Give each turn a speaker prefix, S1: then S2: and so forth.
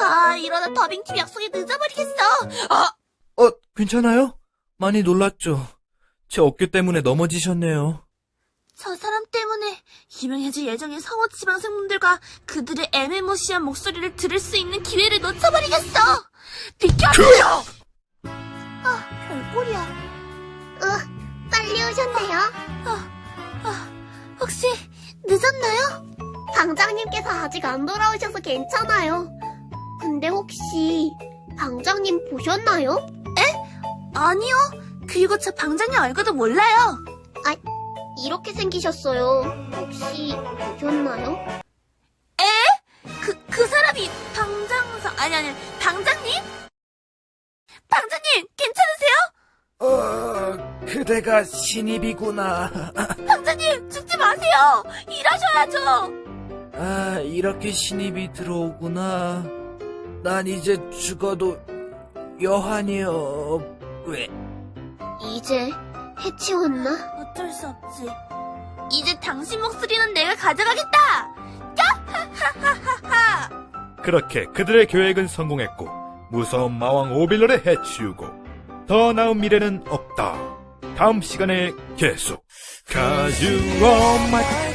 S1: 이러다 더빙팀 약속이 늦어버리겠어.
S2: 괜찮아요? 많이 놀랐죠? 제 어깨 때문에 넘어지셨네요.
S1: 저 사람 때문에 유명해질 예정인 성우 지망생분들과 그들의 애매모시한 목소리를 들을 수 있는 기회를 놓쳐버리겠어. 비켜주세요. 별꼴이야.
S3: 빨리 오셨네요.
S1: 혹시 늦었나요?
S3: 방장님께서 아직 안 돌아오셔서 괜찮아요. 근데 혹시 방장님 보셨나요?
S1: 아니요. 그리고 저 방장님 얼굴도 몰라요.
S3: 이렇게 생기셨어요. 혹시 보셨나요?
S1: 그 사람이 방장님? 방장님, 괜찮으세요?
S2: 그대가 신입이구나.
S1: 방장님, 죽지 마세요. 일하셔야죠.
S2: 이렇게 신입이 들어오구나. 난 이제 죽어도 여한이요. 왜?
S3: 이제 해치웠나?
S1: 어쩔 수 없지. 이제 당신 목소리는 내가 가져가겠다. 야하하하하하.
S4: 그렇게 그들의 계획은 성공했고 무서운 마왕 오빌러를 해치우고 더 나은 미래는 없다. 다음 시간에 계속. Cause you are my